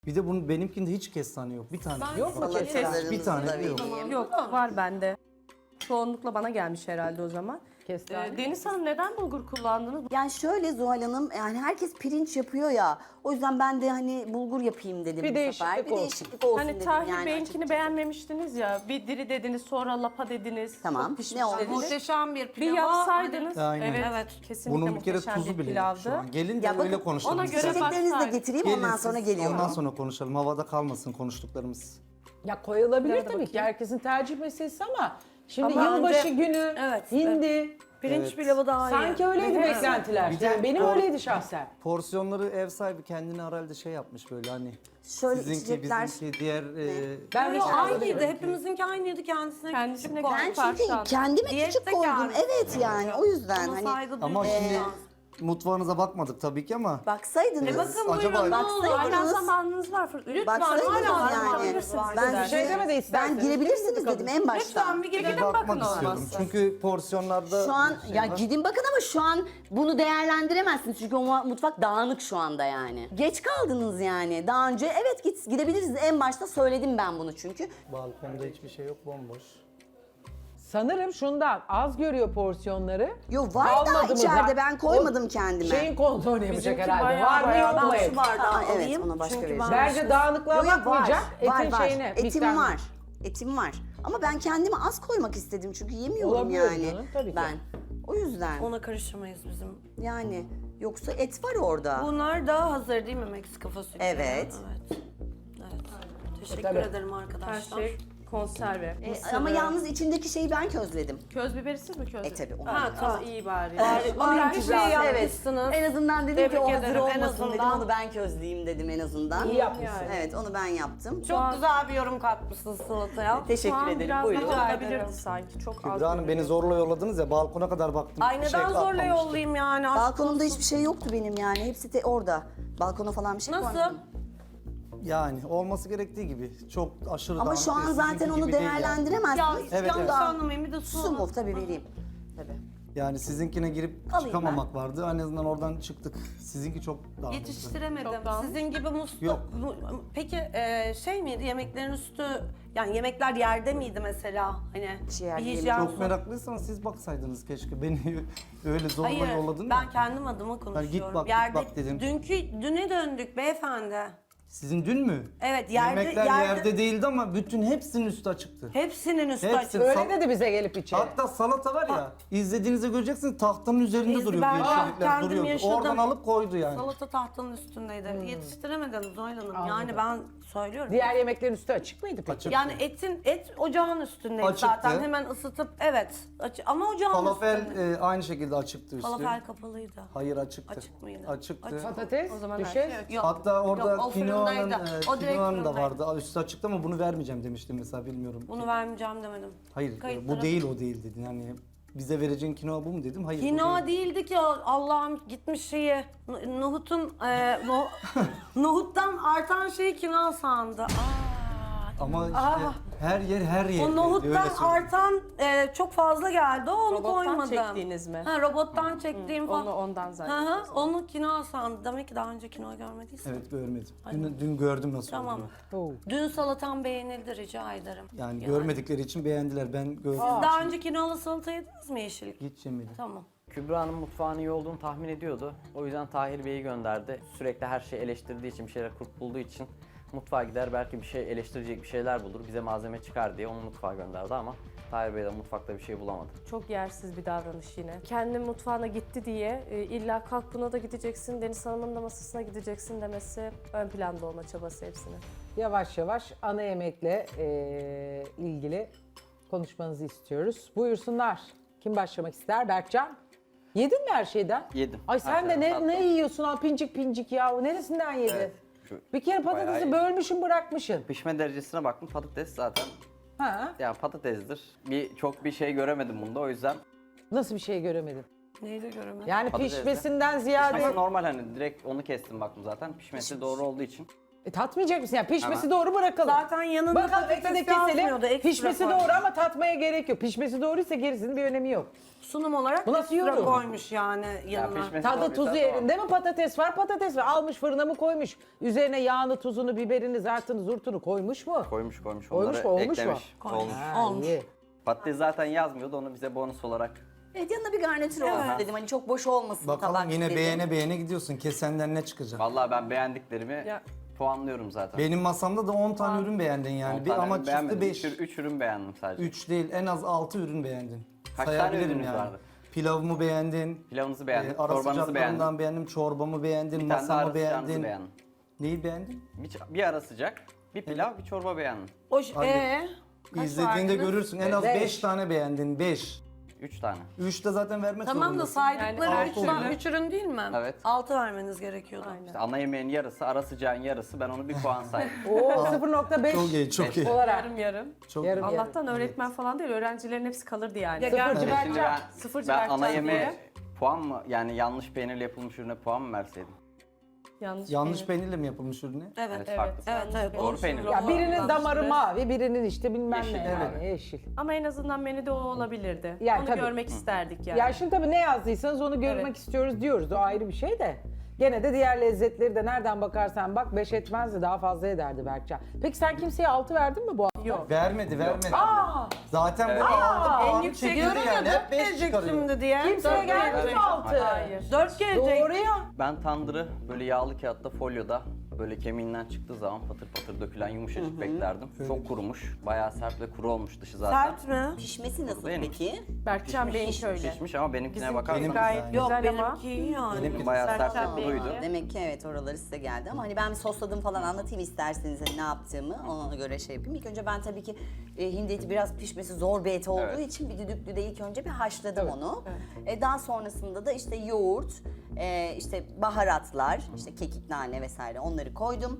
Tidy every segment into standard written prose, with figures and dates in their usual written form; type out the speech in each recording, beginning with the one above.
Bir de bunun benimkinde hiç kestane yok. Bir tane. Yok mu Bak, kestane? Bir tane bile yok. Yok var bende. Çoğunlukla bana gelmiş herhalde o zaman. Kestane. Deniz Hanım neden bulgur kullandınız? Yani şöyle Zuhal Hanım, yani herkes pirinç yapıyor ya. O yüzden ben de hani bulgur yapayım dedim Bir bu değişiklik sefer. Bir olsun. değişiklik olsun Hani dedim Tahir yani Bey'inkini açıkçası. beğenmemiştiniz ya. Bir diri dediniz sonra lapa dediniz. Tamam, Çok pişmiş ne olmuş? dediniz. Muhteşem bir pilav. Bir yapsaydınız. Aynen. Evet. Kesinlikle Bunun bir kere muhteşem tuzu bir bile yok şu pilavdı. an. Gelin de Ya bakın, öyle konuşalım. ona göre istedim. İçeceklerinizi de başlar. getireyim Gelin ondan siz, sonra geliyorum. Ondan sonra konuşalım. Havada kalmasın konuştuklarımız. Ya koyulabilir Nerede tabii ki. bakayım? Herkesin tercih meselesi ama şimdi Ama yılbaşı önce- günü, Evet, hindi. Pirinç Evet. pilavı daha iyi. Sanki öyleydi beklentiler. Bir de Yani benim o- öyleydi şahsen. Porsiyonları ev sahibi kendine herhalde şey yapmış böyle hani. Şöyle Sizinki, içecekler. bizimki, diğer... Ben Yok, de aynıydı. Hepimizinki aynıydı. Kendisine Kendisine küçük göre koymuş. Ben çünkü kendime Diyette küçük koydum. kendisi. Evet yani o yüzden Ona hani saygı Ama duymak şimdi lazım. mutfağınıza bakmadık tabii ki ama... baksaydınız. Bakın Acaba- buyurun ne olur. Baksaydınız- Hala zamanınız var. Lütfen Baksaydınız hala yani. bakabilirsiniz. Ben, Bir şey demedi ben isterseniz. girebilirsiniz dedim en başta. Lütfen bir Bir gidelim bakmak bakın istiyordum. olmazsa. Çünkü porsiyonlarda... Şu an şey ya var. gidin bakın ama şu an bunu değerlendiremezsiniz çünkü o mutfak dağınık şu anda yani. Geç kaldınız yani. Daha önce evet gidebilirsiniz. En başta söyledim ben bunu çünkü. Balkonda hiçbir şey yok, bomboş. Sanırım şundan az görüyor porsiyonları. Yo var da Kalmadı mı içeride zaten? ben koymadım O kendime. Şeyin kontrolünü yapacak Bizimki herhalde. bayağı Var mı bayağı yok mu? Ben şu bardağı Aa, evet, alayım. ona başka Çünkü vereceğim. Bence dağınıklığa Yo, yo, bakmayacak. Etin var. şeyine. Etim miktarına. var. Etim var. Ama ben kendime az koymak istedim çünkü yemiyorum Olabiliyor yani. canım, tabii ki. Ben. O yüzden Ona karıştırmayız bizim. yani yoksa et var orada. Bunlar daha hazır değil mi Meksika fasulyeleri? Evet. Evet. Teşekkür Tabii. ederim Her arkadaşlar. şey konserve. Mısırı. Ama yalnız içindeki şeyi ben közledim. Köz biberi siz mi közlediniz? Tabii onu. Ha tamam. İyi bari. Vallahi bir şey Evet. yapmışsınız. En azından dedim Tebrik ki o hazır ederim, en olmasın dedim. azından. Onu ben közleyeyim dedim en azından. İyi yapmışsın. Evet onu ben yaptım. Çok güzel bir yorum katmışsın salataya. Şu Teşekkür an ederim. biraz Buyurun. daha Rica olabilirdi ederim. sanki. Çok az. Kübra Hanım beni zorla yolladınız ya, balkona kadar baktım. Ay Bir şey neden zorla kalmamıştı. yollayayım yani? Aşk Balkonumda olsun. hiçbir şey yoktu benim yani. Hepsi de orada. Balkona falan bir şey Nasıl? koymadım. Yani olması gerektiği gibi. Çok aşırı Ama dağınık şu an değil, zaten sizinki onu gibi değil yani. Ya değerlendiremezsiniz. Evet, yanlış evet. anlamayın bir de Su mu? Tabii vereyim. Tabii. Yani sizinkine girip Alayım çıkamamak vardı. En azından oradan çıktık. Sizinki çok dağınıktı. Yetiştiremedim. Çok dağınık. Sizin gibi muslu... Yok. Peki şey miydi yemeklerin üstü... Yani yemekler yerde miydi mesela? Hani Hiç yerde bir yemek hijyen Çok sorunu- meraklıysanız siz baksaydınız keşke. Beni öyle zorla Hayır, yolladın ben ya. kendim adıma konuşuyorum. git bak, git Yerde, bak dedim. Düne döndük beyefendi. Sizin dün mü? Evet, yerde... Yemekler yerde değildi ama bütün hepsinin üstü açıktı. Hepsinin üstü Hepsi. açık. Öyle dedi bize gelip içeri. Hatta salata var ya, izlediğinizde göreceksiniz tahtanın üzerinde Biz- duruyordu, ben yeşillikler kendim duruyordu. yaşadım. Oradan alıp koydu yani. Salata tahtanın üstündeydi. Yetiştiremediniz Zoyla Hanım. Yani ben söylüyorum. Diğer yemeklerin üstü açık mıydı peki? Açık. Yani et ocağın üstündeydi Açıktı. zaten. Hemen ısıtıp evet. Ama ocağın Falafel üstünde. aynı şekilde açıktı üstü. Falafel kapalıydı. Hayır açıktı. Açık mıydı? Açıktı. Açık. Patates, O zaman düşe. her şey Yok. Hatta orada Yok, o kinoanın fırındaydı. O direkt kinoanın da fırındaydı. vardı. Üstü açıktı ama bunu vermeyeceğim demiştim mesela, bilmiyorum. Bunu vermeyeceğim demedim. Hayır Kayıtlara- bu değil, o değil dedin. Yani bize vereceğin kinoa bu mu dedim. Hayır bu Kinoa değil. değildi ki Allah'ım gitmiş şeyi. Nohutun nohuttan artan şeyi kinoa sandı. Ama işte her yer her yer. O nohuttan artan çok fazla geldi. Onu Robottan koymadım. çektiğiniz mi? Ha, robottan çektiğim falan. Ondan Hı zaten. hı, onu kinoa sandı. Demek ki daha önce kinoa görmediysen. Evet görmedim. Dün gördüm nasıl Tamam. olduğunu. Oo. Dün salatam beğenildi rica ederim. Yani görmedikleri için beğendiler. Ben gördüm. Daha önce kinoalı salata yediniz mi yeşillik? Hiç yemedim. Tamam. Kübra'nın mutfağının iyi olduğunu tahmin ediyordu. O yüzden Tahir Bey'i gönderdi. Sürekli her şeyi eleştirdiği için, bir şeyler kurt bulduğu için mutfağa gider, belki bir şey eleştirecek bir şeyler bulur, bize malzeme çıkar diye onu mutfağa gönderdi ama Tahir Bey de mutfakta bir şey bulamadı. Çok yersiz bir davranış yine. Kendi mutfağına gitti diye illa kalk buna da gideceksin, Deniz Hanım'ın da masasına gideceksin demesi ön planda olma çabası hepsinin. Yavaş yavaş ana yemekle ilgili konuşmanızı istiyoruz. Buyursunlar. Kim başlamak ister? Berkcan. Yedin mi her şeyden? Yedim. Ay Her sen de şeyden ne tattım. yiyorsun ha pincik pincik ya? Neresinden yedin? Evet, şu Bir kere bayağı patatesi iyi. bölmüşsün bırakmışsın. Pişme derecesine baktım, patates zaten Ha? yani patatesdir. Çok bir şey göremedim bunda, o yüzden Nasıl bir şey göremedim? Neyi de göremedim. Yani Patatesle. pişmesinden ziyade ama normal, hani direkt onu kestim baktım zaten. Pişmesi doğru olduğu için Tatmayacak mısın? Yani pişmesi Ama- doğru bırakalım. Zaten yanında Bakalım patates ekmeği de keselim. yazmıyordu, ekstra Pişmesi koymuş. doğru ama tatmaya gerek yok. Pişmesi doğruysa gerisinin bir önemi yok. Sunum olarak Bu nasıl ekstra yorum? koymuş yani Ya yanına. pişmesi Tadı doğruysa tuzu tamam. yerinde mi? Patates var, patates var. Almış fırına mı koymuş? Üzerine yağını, tuzunu, biberini, zartını, zurtunu koymuş mu? Koymuş koymuş. Koymuş Onları mu? Olmuş mu? eklemiş. Olmuş. Ha, Olmuş. iyi. Patates zaten yazmıyordu, onu bize bonus olarak. Evet, yanına bir garnitür olsun dedim. Hani çok boş olmasın Bakalım tabak yine dedim. beğene beğene gidiyorsun. Kesenden ne çıkacak? Vallahi ben beğendiklerimi Ya- puanlıyorum zaten. Benim masamda da 10 tane ürün beğendin yani. 10 Bir, tane ama çıktı beğenmedim. 5. 3 ürün beğendim sadece. 3 değil, en az 6 ürün beğendin. Kaç tane Sayabilirim ürününüz yani. vardı? Pilavımı beğendin. Pilavınızı beğendim, Ara çorbanızı beğendim. sıcaklarından beğendim, çorbamı beğendin, Bir tane de ara masamı sıcağınızı beğendin. beğendim. Neyi beğendin? Bir ara sıcak, bir pilav, bir çorba beğendim. Hadi. Kaç İzlediğinde verdiniz? görürsün. En az Beş. 5 tane beğendin. 5. 3 tane. 3 de zaten vermek Tamam da zorundasın. saydıkları Yani 3 altı ürün değil mi? Evet. 6 vermeniz gerekiyordu. İşte ana yemeğin yarısı, ara sıcağın yarısı. Ben onu bir puan saydım. Oo 0.5 Çok iyi, çok iyi. olarak. Yarım yarım. Çok Yarım yarım. Allah'tan öğretmen falan değil, öğrencilerin hepsi kalırdı yani. Ya Sıfırcı Şimdi Berkcan. Sıfırcı ben Berkcan ana yemeğe diye. puan mı, yani yanlış peynirle yapılmış ürüne puan mı verseydim? Yanlış peynirle mi yapılmış ürünü? Evet. Evet. Farklı. Evet. Doğru peynir. Ya birinin damarı Yanlış. mavi, birinin işte bilmem Yeşil, ne. evet. Yani, yeşil. Ama en azından menüde o olabilirdi. Yani Onu tabii. görmek isterdik yani. Ya şimdi tabii ne yazdıysanız onu görmek Evet. istiyoruz diyoruz. O ayrı bir şey de. Gene de diğer lezzetleri de nereden bakarsan bak 5 etmezdi, daha fazla ederdi Berkcan. Peki sen kimseye 6 verdin mi bu hafta? Yok. Vermedi. Aa! Zaten Evet. bu aldı en puanı yüksek çekildi Diyorum yani. ya Hep 4 5 gelecek çıkarıyor. şimdi diye. Kimseye Dört geldi gelecek. mi 6? Hayır. 4 gelecek. Doğru ya. Ben tandırı böyle yağlı kağıtta, folyoda böyle kemiğinden çıktığı zaman patır patır dökülen yumuşacık beklerdim. Çok kurumuş. Bayağı sert ve kuru olmuş dışı zaten. Sert mi? Pişmesi nasıl Benim. peki? Berkcan benimki öyle. Pişmiş ama benimkine Bizimki bakarsanız gayet yani. Yok güzel ama. benimki iyi yani. Benimki bayağı sert Berkcan ve kuruydu. benimki. Demek ki evet oraları size geldi ama hani ben bir sosladım falan anlatayım isterseniz hani ne yaptığımı ona göre şey yapayım. İlk önce ben tabii ki hindi eti biraz pişmesi zor bir et olduğu Evet. için bir düdüklüde ilk önce bir haşladım onu. Daha sonrasında da işte yoğurt, işte baharatlar, işte kekik, nane vesaire onları koydum.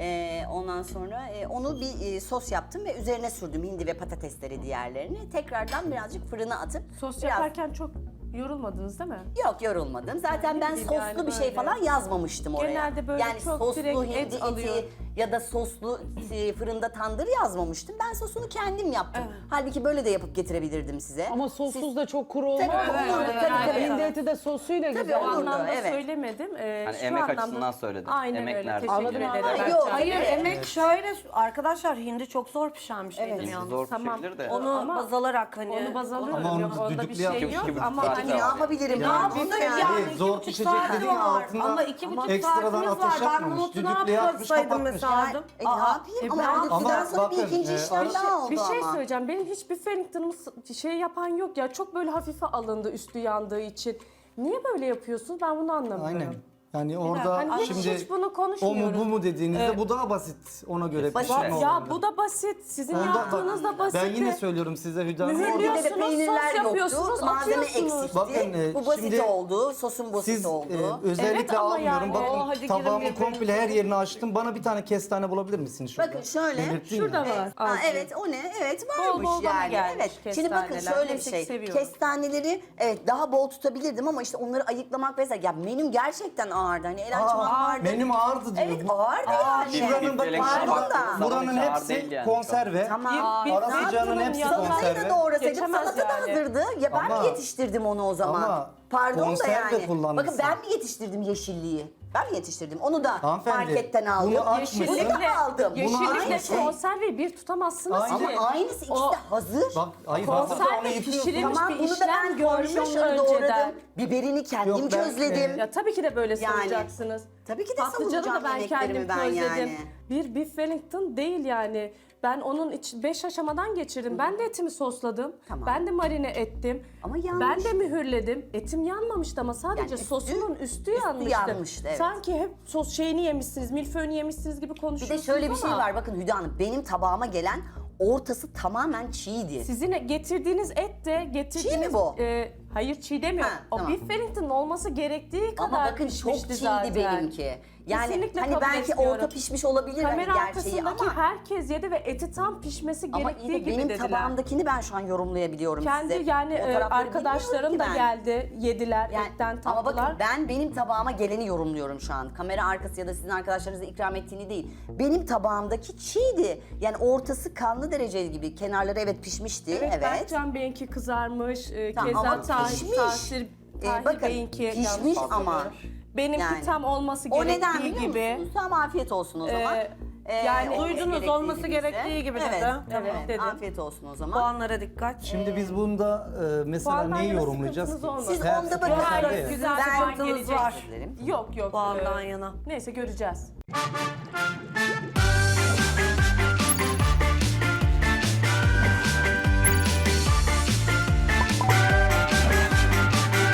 Ondan sonra onu bir sos yaptım ve üzerine sürdüm hindi ve patatesleri diğerlerini. Tekrardan birazcık fırına atıp Sos biraz... yaparken çok yorulmadınız değil mi? Yok yorulmadım. Zaten ben bileyim soslu yani bir şey böyle. falan yazmamıştım oraya. Genelde böyle yani çok soslu direkt hindi et eti alıyor. ya da soslu fırında tandır yazmamıştım. Ben sosunu kendim yaptım. Halbuki böyle de yapıp getirebilirdim size. Ama sossuz da çok kuru olmaz. Tabii, mı? olurdu, Yani tabii, tabii. Hindi eti de sosuyla Tabii, güzel. O olurdu, anlamda evet. söylemedim. Hani Şu emek anlamda- açısından söyledim. Aynen Emek öyle. nerede? Teşekkür Anladım, ederim. anladım. Berkcan. Yok, Hayır Evet. emek şöyle arkadaşlar hindi çok zor pişen bir şeydir Evet. yalnız. Zor Tamam. pişebilir de. Onu Ama- baz alarak hani. Onu baz alıyorum. Ama onu Yok, onda bir düdüklü şey yapıyor. yok. 2,5 Ama saat hani Ne yapabilirim? Ne yani? yapayım yani? Hayır, 2,5 zor pişecek saati dediğin var. altında Ama 2,5 ekstradan saatimiz var. ateş Ben yakmamış, nohutu ne düdüklü yakmış, yapsaydım kapatmış. mesela? Ne yapayım? Ama ben- düdüklüden Ama sonra bir bakın, ikinci işlem daha oldu bir şey ama. söyleyeceğim. Benim hiçbir Wellington'ımı şey yapan yok ya. Çok böyle hafife alındı üstü yandığı için. Niye böyle yapıyorsunuz? Ben bunu anlamıyorum. Aynen. Yani orada Hani hiç, şimdi hiç bunu o mu konuşmuyoruz. bu mu dediğinizde bu daha basit. Ona göre Basit. pişirme Ya oranı. bu da basit. Sizin Onda- yaptığınız da basit. Ben yine söylüyorum size Hüda Hanım. Mühürlüyor. Burada da Yapıyorsunuz, peynirler sos yapıyorsunuz, yoktu, malzeme atıyorsunuz. eksikti. Bakın, Bu basit şimdi oldu, sosun basit Siz oldu. özellikle Evet ama almıyorum. yani- Bakın hadi girin tabağımı birbirinize. komple her yerini açtım. Bana bir tane kestane bulabilir misiniz şurada? Bakın şöyle, Belirttin Şurada ya. var. Ha, Azıcık. evet o ne? Evet Bol varmış bol bana yani. gelmiş Evet. Şimdi bakın kestaneler. şöyle bir Neyse ki şey. seviyorum. Kestaneleri evet daha bol tutabilirdim ama işte onları ayıklamak vesaire. Ya menüm gerçekten ağırdı. Hani el açmak vardı. Benim ağırdı diyor. Evet Bu- ağırdı yani. Şuranın bak Felek pardon baktığınız da. zaman buranın hiç ağır hepsi değil yani. konserve. Tamam. Bir- Ara bir sıcağının fırın hepsi yanına- Salatayı da konserve. doğrasaydım Geçemez salata da yani. hazırdı. Ya ben Ama- mi yetiştirdim onu o zaman? ama Pardon da konserve yani. kullanmışsın. Bakın ben mi yetiştirdim yeşilliği? Ben mi yetiştirdim? Onu da Hanımefendi, marketten aldım. bunu açmışsın. Bunu da aldım. Yeşillikle Aynı şey. konserveyi bir tutamazsınız Aynen. ki. Ama aynısı ikisi O- de hazır. Bak hayır hazır da onu Konserve yıkıyorsun. pişirilmiş Tamam bir bunu da işlem ben görmüş kornişonları önceden. doğradım. Biberini kendim Yok, ben- közledim. Ya tabii ki de böyle Yani. savunacaksınız. Tabii ki de Patlıcanı da savunacağım ben kendim yemeklerimi ben közledim. yani. Bir beef Wellington değil yani. Ben onun 5 aşamadan geçirdim. Ben de etimi sosladım. Tamam. Ben de marine ettim. Ama yanmış. Ben de mühürledim. Etim yanmamıştı ama sadece Yani üstü- sosunun üstü yanmıştı. yanmıştı, evet. Sanki hep sos şeyini yemişsiniz, milföyünü yemişsiniz gibi Bir konuşuyorsunuz de şöyle bir şey ama var bakın Hüda Hanım. Benim tabağıma gelen ortası tamamen çiğdi. Sizin getirdiğiniz et de getirdiğiniz... Çiğ mi bu? Hayır çiğ demiyorum. Ha, o tamam. beef Wellington'ın olması gerektiği kadar Ama bakın çok pişmişti çiğdi zaten. benimki. Yani Kesinlikle hani kabul belki etmiyorum. orta pişmiş olabilir hani Kamera gerçeği arkasındaki ama herkes yedi ve eti tam pişmesi ama gerektiği iyi de gibi benim dediler. tabağımdakini ben şu an yorumlayabiliyorum Kendi size. yani O tarafları arkadaşlarım bilmiyorum da ki ben. geldi, yediler, Yani, etten ama tatlılar. bakın ben benim tabağıma geleni yorumluyorum şu an. Kamera arkası ya da sizin arkadaşlarınıza ikram ettiğini değil. Benim tabağımdaki çiğdi. Yani ortası kanlı dereceli gibi. Kenarları evet pişmişti. Evet. Berkcan Bey'inki kızarmış, Tamam, keza ama Tahir, pişmiş. Tahir Bakın Bey'inki pişmiş yanlış ama. hatırlıyorum. Benimki Yani. tam olması O neden gerektiği biliyor gibi. musunuz? Tamam afiyet olsun o zaman. yani olması duydunuz, gerektiği olması gibiyse. gerektiği gibi evet, dedi. Tamam, Evet, dedim. afiyet olsun o zaman. Puanlara dikkat. Şimdi biz bunda mesela Puandan neyi yana yorumlayacağız? sıkıntınız olmadı. Siz Her onda sefer bakın. serve Hayır, ya. güzel Ben- puan sıkıntınız gelecek. var. Dilerim. Yok yok. Puandan yana. Neyse göreceğiz.